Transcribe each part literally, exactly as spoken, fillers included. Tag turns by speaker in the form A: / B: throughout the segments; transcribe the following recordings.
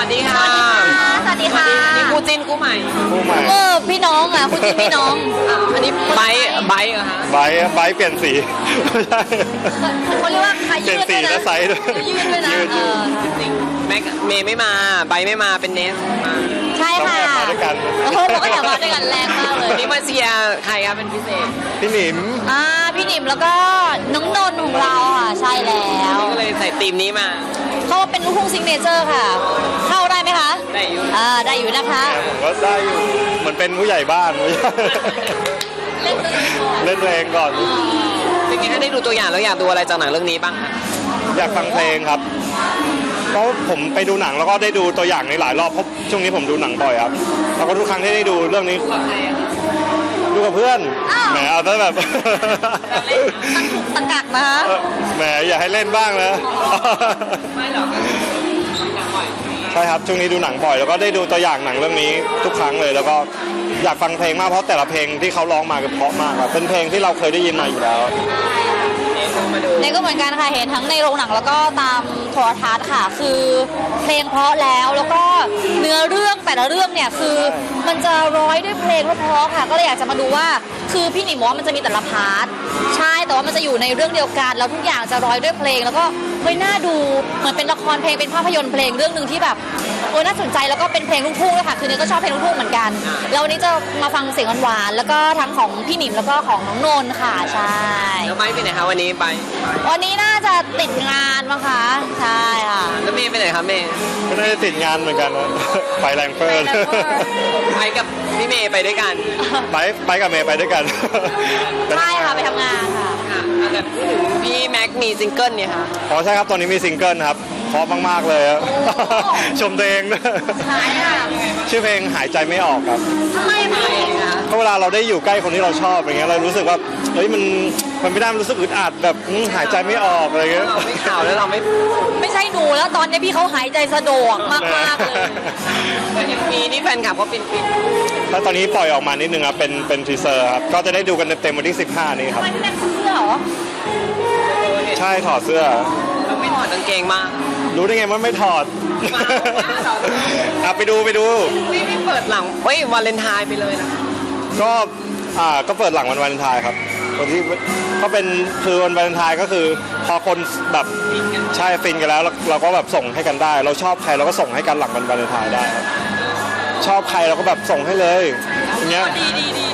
A: วัสดีค่ะ
B: สวัสดีค่ะ
A: นี่คู่จิ้นคู่ใหม่
C: คู่ใหม่
B: เออพี่น้องอ่ะคู่จิ้นพี่น้อง
A: อันนี้ไบค์ไบค์เหรอคะ
C: ไบค์ไบค์เปลี่ยนสีใช่
B: เขาเรียกว่า
C: เปลี่ยนสีและไซส์ด้วย
B: ยืดด้วยนะเออ
A: แม็กเมย์ไม่มาไบค์ไม่มาเป็นเนสมา
B: ใช่ค่ะ
C: มาด้วยกัน
B: เออเราก็อยากมาด้วยกันแรงมากเลย
A: นี่มาเชียร์ใครครับเป็นพิเศษ
C: พี่หนิม
B: อ่าพี่หนิมแล้วก็น้องนนท์ของเราค่ะใช่แล้ว
A: ก็เลยใส่ธีมนี้มา
B: เขาเป็นลูกทุ่งซิงเนเจอร์ค่ะเข้าได้ไหมคะ
A: ได้อยู่
B: อ่าได้อยู่นะคะ
C: ผมก็ได้อยู่เหมือนเป็นผู้ใหญ่บ้าน
B: เล่น
C: เล่นเพลงก่อน
A: เป็นไงถ้าได้ดูตัวอย่างแล้วอยากดูอะไรจากหนังเรื่องนี้บ้าง
C: อยากฟังเพลงครับเพราะผมไปดูหนังแล้วก็ได้ดูตัวอย่างในหลายรอบเพราะช่วงนี้ผมดูหนังบ่อยครับแล้วก็ทุกครั้งที่ได้ดูเรื่องนี้ดูกับเพื่อนแหมเอาแต่แบบ
B: ตะกักนะ
C: แหมอย่าให้เล่นบ้างนะ
A: ไม่หรอก
C: ใช่ครับช่วงนี้ดูหนังบ่อยแล้วก็ได้ดูตัวอย่างหนังเรื่องนี้ทุกครั้งเลยแล้วก็อยากฟังเพลงมากเพราะแต่ละเพลงที่เขาร้องมาเพราะมากครับเป็นเพลงที่เราเคยได้ยินมาอยู่แล้ว
B: เนี่ยก็เหมือนกันค่ะเห็นทั้งในโรงหนังแล้วก็ตามโทรทัศน์ค่ะคือเพลงเพราะแล้วแล้วก็เนื้อเรื่องแต่ละเรื่องเนี่ยคือมันจะร้อยด้วยเพลงเพราะค่ะก็เลยอยากจะมาดูว่าคือพี่หนิมบอกว่ามันจะมีแต่ละพาร์ทใช่แต่ว่ามันจะอยู่ในเรื่องเดียวกันแล้วทุกอย่างจะร้อยด้วยเพลงแล้วก็เฮ้ยน่าดูเหมือนเป็นละครเพลงเป็นภาพยนตร์เพลงเรื่องนึงที่แบบเออน่าสนใจแล้วก็เป็นเพลงลูกทุ่งด้วยค่ะคือเนี่ยก็ชอบเพลงลูกทุ่งเหมือนกันแล้ววันนี้จะมาฟังเสียงหวานๆแล้วก็ทั้งของพี่หนิมแล้วก็ของน้องนนท์ค่ะใช่
A: แล้วไปไปไหนคะวันนี้ไป
B: วันนี้น่าจะติดงานมั้งคะใช่ค่ะ
A: แล้วเมย์ไปไหนคะเมย์
C: ก็น่าจะติดงานเหมือนกันนะไปแรงเฟิร์น
A: ไปกับพี่เมย์ไปด้วยกัน
C: ไปไปกับเมย์ไปด้วยกัน
B: ใช่ค่ะไปทำงานค่ะ
A: แบบพี่แม็กมีซิงเกิลเนี่ยค่ะ
C: อ๋อใช่ครับตอนนี้มีซิงเกิลครับเพราะมากๆเลยชมตัวเอง
B: ใช่ค่ะ
C: ชื่อเพลงหายใจไม่ออกครับ
B: ทำไมไม่
C: เพราะเวลาเราได้อยู่ใกล้คนที่เราชอบอย่างเงี้ยเรารู้สึกว่าเฮ้ยมันมันไม่ได้มันรู้สึกอึดอัดแบบหายใจไม่ออกอะไรเงี้ย
A: ไม่ข่าวแล้วเราไม่
B: ไม่ใช่หนูแล้วตอนนี้พี่เขาหายใจสะดวกมากๆเลย
A: มีนี่แฟนคลับเขาเป็นฟิน
C: แล้วตอนนี้ปล่อยออกมานิดนึงครับเป็นเป็นทีเซอร์ครับก็จะได้ดูกันเต็มวันที่สิบห้านี้ครับ
B: ทำไมพี่แม็กซ์เสื้อเหรอ
C: ใช่ถอดเสื้อ
A: เราไม่ถอดกางเกงมาก
C: รู้ได้ไงว่าไม่ถอดอ่ะไปดูไปดู
A: ไม่ไม่เปิดหลังเฮ้ยวาเลนไทน์ไปเลยนะ
C: ก็อ่าก็เปิดหลังวันวาเลนไทน์ครับคนที่ก็เป็นคือวันวาเลนไทน์ก็คือพอคนแบบใช่ฟินกันแล้วเราก็แบบส่งให้กันได้เราชอบใครเราก็ส่งให้กันหลังวันวาเลนไทน์ได้ครับชอบใครเราก็แบบส่งให้เลยอย่างเงี้ย
B: ดีดีดี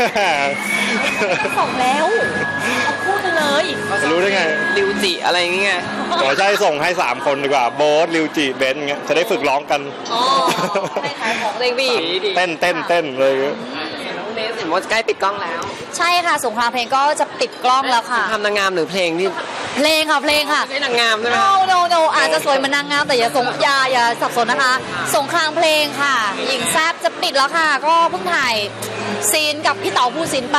B: ส่งแล้วพูดเลย
C: รู้ได้ไง
A: ริวจิอะไรอย่างเงี้ย
C: ขอใช่ส่งให้สามคนดีกว่าโบ๊ทริวจิเบนเงี้ยจะได้ฝึกร้องกัน
B: อ๋อให้ขายของเด็กบี
C: เต้นเต้นเต้นเลย
A: น้องเนสเห็นว่าใกล้ปิดกล้องแล้ว
B: ใช่ค่ะสงครามเพลงก็จะปิดกล้องแล้วค่ะ
A: ทำนางงามหรือเพลงที่
B: เพลงค่ะเพลงค่ะ
A: ไม่ใช่นางงามใช่ไหม
B: no no no อาจจะสวยเหมือนนางงามแต่อย่าสงอย่าอย่าสับสนนะคะสงครามเพลงค่ะหญิงแซ่บจะปิดแล้วค่ะก็เพิ่งถ่ายซีนกับพี่เต๋าภูสินไป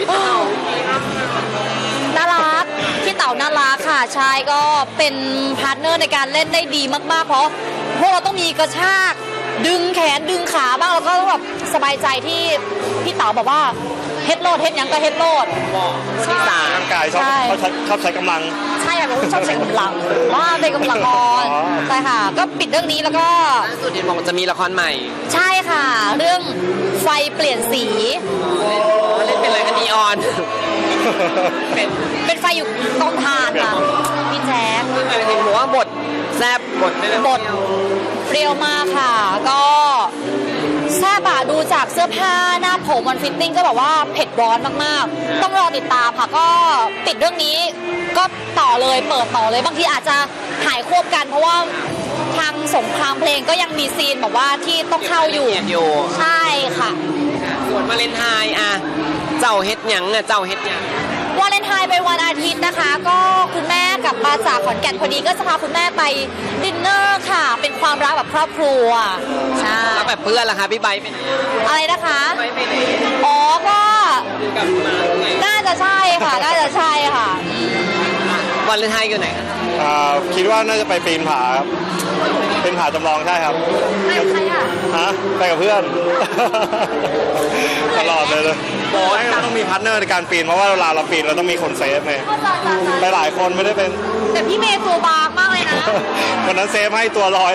B: น่ารักพี่เต๋าน่ารักค่ะชายก็เป็นพาร์ทเนอร์ในการเล่นได้ดีมากๆเพราะพวกเราต้องมีกระชากดึงแขนดึงขาบ้างแล้วก็แบบสบายใจที่พี่เต๋าบอกว่าเฮดโลดเฮดยังก็เฮดโลด
A: ที่สาม
C: ร่างกายชอบชอบใช้กำลัง
B: ใช่ค่ะชอบใช้กำลังว่าเป็นกำลังอ่อนใช่ค่ะก็ปิดเรื่องนี้แล้วก็
A: ล่าสุดเห็นบอกจะมีละครใหม่
B: ใช่ค่ะเรื่องไฟเปลี่ยนสี
A: เล่นเป็นอะไรกันนีออน
B: เป็นเป็นไฟอยู่กองถ่านค่ะพี่แจ๊ค
A: เห็นบอกว่าบทแซ่บบท
B: บทเปรี้ยวมากค่ะก็แซ่บอะดูจากเสื้อผ้าหน้าผมวันฟิตติ้งก็แบบว่าเผ็ดร้อนมากๆต้องรอติดตามค่ะก็ติดเรื่องนี้ก็ต่อเลยเปิดต่อเลยบางทีอาจจะถ่ายควบกันเพราะว่าทางสงครามเพลงก็ยังมีซีนแบบว่าที่ต้องเข้าอยู่ใช่ค่ะ
A: ส่วนวาเลนไทน์อะเจ้าเฮ็ดหยังอะเจ้าเฮ็ดหยัง
B: วาเลนไทน์เป็นวันอาทิตย์นะคะก็คุณแม่กลับมาจากขอนแก่นพอดีก็จะพาคุณแม่ไปดินเนอร์ค่ะเป็นความรักแบบครอบครัวใช่
A: แล้วแบบเพื่อนล่ะคะพี่ใบเป็น
B: อะไรนะคะ
A: ไปไปไหน
B: อ๋อก็น่าจะใช่ค่ะน่าจะใช่ค่ะ
A: วาเลนไทน์อยู่ไหน
C: อ่าคิดว่าน่าจะไปปีนผาครับเป็นผาจำลองใช่ครับ
B: ไปกับใครอ่ะ
C: ฮะไปกับเพื่อนตลอดเลยเลยโอ้ยเราต้องมีพาร์ทเนอร์ในการปีนเพราะว่าเวลาเราปีนเราต้องมีคนเซฟไงไปหลายคนไม่ได้เป็น
B: แต่พี่เมย์ตัวบางมากเลยนะ
C: วันนั้นเซฟให้ตัวลอย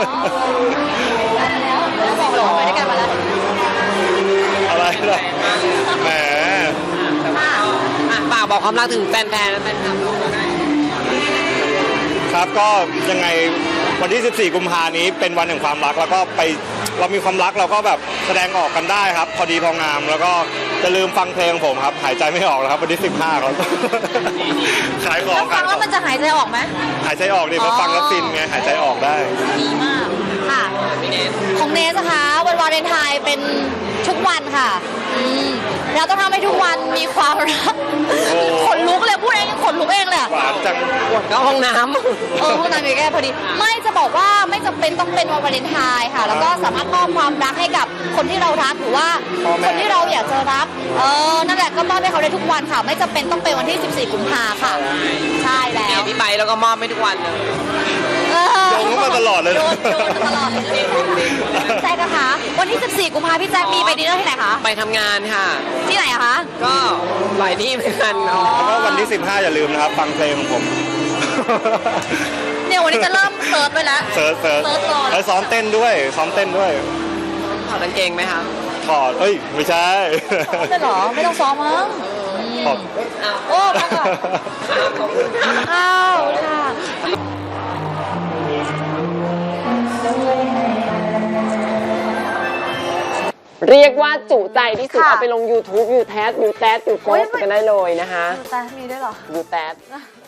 B: แล้วแล้วบอกเลยว่าไปด้วยกันมาแล้ว
C: อะไรล่ะแหม
A: อ่ะฝากบอกความรักถึงแฟนๆและแฟนคลับเราก็ได้
C: ครับก็ยังไงวันที่ สิบสี่ กุมภานี้เป็นวันแห่งความรักแล้วก็ไปเรามีความรักเราก็แบบแสดงออกกันได้ครับ พอดีพองาม แล้วก็จะลืมฟังเพลงผมครับ หายใจไม่ออกแล้วครับวันที่ สิบห้าครับ ขายของ
B: แล้วฟั
C: ขาง ยข
B: แล้
C: อ
B: ว
C: ง
B: มันจะหายใจออกไหม
C: หายใจออกดิเพราะฟังแล้วฟินไงหายใจออกได้
B: ดีมากค่ะ
A: พี่เนท
B: ของเนสนะคะวันวาเลนไทน์เป็นทุกวันค่ะอืมเราต้องทำให้ทุกวันมีความรัก
C: โอ้
B: ขนลุกเลยพูดเองยังขนลุกเองเลยอะ
C: หวานจัง
A: ก็ห้องน้
B: เออพวกนั้นมีแค่พอดี ไม่จะบอกว่าไม่จำเป็นต้องเป็นวันวาเลนไทน์ค่ะ แล้วก็สามารถมอบความรักให้กับคนที่เรารักหรือว่า
C: พ่อแม่
B: คนที่เราอยากจะรัก เออ นั่นแหละก็มอบให้เขาได้ทุกวันค่ะ ไม่จำเป็นต้องเป็นวันที่ สิบสี่ กุมภาค่ะ ใช่แล้
A: ำเนี่
B: วย
A: พี่ไปแล้วก็มอบให้ทุกวันเลย
B: เออ
C: โยงเข้ามาตลอดเลย
B: โยนโยนมาตลอดเลยแจ็คนะคะ วันที่ สิบสี่ กุมภาพี่แจ็คมีไปดินเนอร์ที่ไหนคะ
A: ไปทำงานค่ะ
B: ที่ไหนอะคะ
A: ก็หลายที่เหมือนกัน
C: แล้วก็วันที่ สิบห้า อย่าลืมนะครับ ฟังเพลงของผม
B: เนี่ยวันนี้จะเริ่มเซิร์ชไปแล้ว
C: เซิร์ชเซิร์ช
B: เซิร์ชรอ
C: แล้วซ้อมเต้นด้วย ซ้อมเต้นด้วย
A: ถอดกางเกงไหมคะ
C: ถอด เอ้ย ไม่ใช่
B: ไม่หรอ ไม่ต้องซ้อมมั้ง
C: ถอด
B: โอ้พักก่อนอ้าวค่ะ
A: เรียกว่าจุใจที่สุด
B: ค่ะ
A: เอาไปลง YouTube ยูแทสยูแทสยูโพสกันได้เลยนะคะ
B: แต่มีด้วยเหรอ
A: ยูแทส